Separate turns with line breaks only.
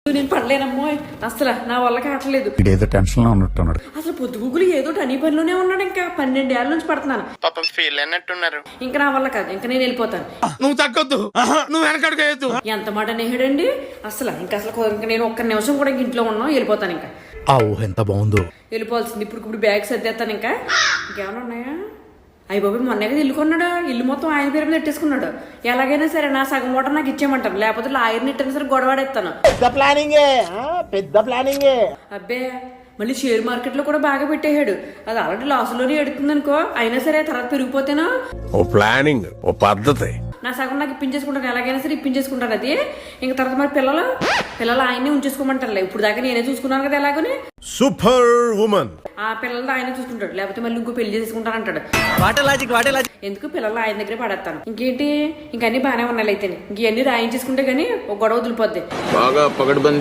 నేను పడలేనమ్మో అసలు నా వల్ల కావట్లేదు.
ఏదో టెన్షన్ లో ఉన్నట్టున్నాడు.
అసలు పొద్దుగుగులు ఏదో అన్ని పనిలోనే ఉన్నాడు. ఇంకా 12 ఏళ్ళ నుంచి పడుతున్నాను.
పాపం ఫీల్ అయినట్టున్నారు.
ఇంకా నా వల్ల కాదు, ఇంకా నేను వెళ్ళిపోతాను.
నువ్వు తగ్గొద్దు, నువ్వు వెనకడుగు.
ఎంత మాట నేహడండి అసలు. ఇంకా నేను ఒక్క నిమిషం కూడా ఇంట్లో ఉన్నాం, వెళ్ళిపోతాను. ఇంకా
ఆ ఊహ ఎంత బాగుందో.
వెళ్ళిపోవాల్సింది. ఇప్పుడు బ్యాగ్ సర్దేస్తాను. ఇంకా ఇంకేమైనా ఉన్నాయా? అయ్యి బాబు మొన్నే కదా ఇల్లు కొన్నాడు. ఇల్లు మొత్తం ఆయన పేరు మీద పెట్టేసుకున్నాడు. ఎలాగైనా సరే నా సగం ఓటర్ నాకు ఇచ్చేయమంటాను, లేకపోతే లాయర్ని ఇట్టని సరే గొడవాడేస్తాను.
పెద్ద ప్లానింగే.
అబ్బే మళ్ళీ షేర్ మార్కెట్ లో కూడా బాగా పెట్టేశాడు. అది ఆల్రెడీ లాసులోనే ఎడుతుంది అనుకో, అయినా సరే తర్వాత పెరిగిపోతేనా.
ఓ ప్లానింగ్, ఓ పద్ధతి.
నా సగం నాకు ఇప్పించేసుకుంటాను, ఎలాగైనా సరే ఇప్పించేసుకుంటాను. అది ఇంకా తర్వాత మరి పిల్లలు ఆయనే ఉంచేసుకోమంటారులే. ఇప్పుడు దాకా నేనే చూసుకున్నాను కదా ఎలాగని.
Super women.
ఆ పిల్లలతో ఆయనే చూసుకుంటాడు, లేకపోతే మళ్ళీ ఇంకో పెళ్లి చేసుకుంటాను అంటాడు. ఎందుకు పిల్లలు ఆయన దగ్గరే పడేస్తాను. ఇంకేంటి ఇంకన్నీ బాగానే ఉన్నాయి. అయితే ఇంకన్నీ రాయించేసుకుంటే గానీ ఒక గొడవ వదిలిపోద్ది.
బాగా పగడ్బందీ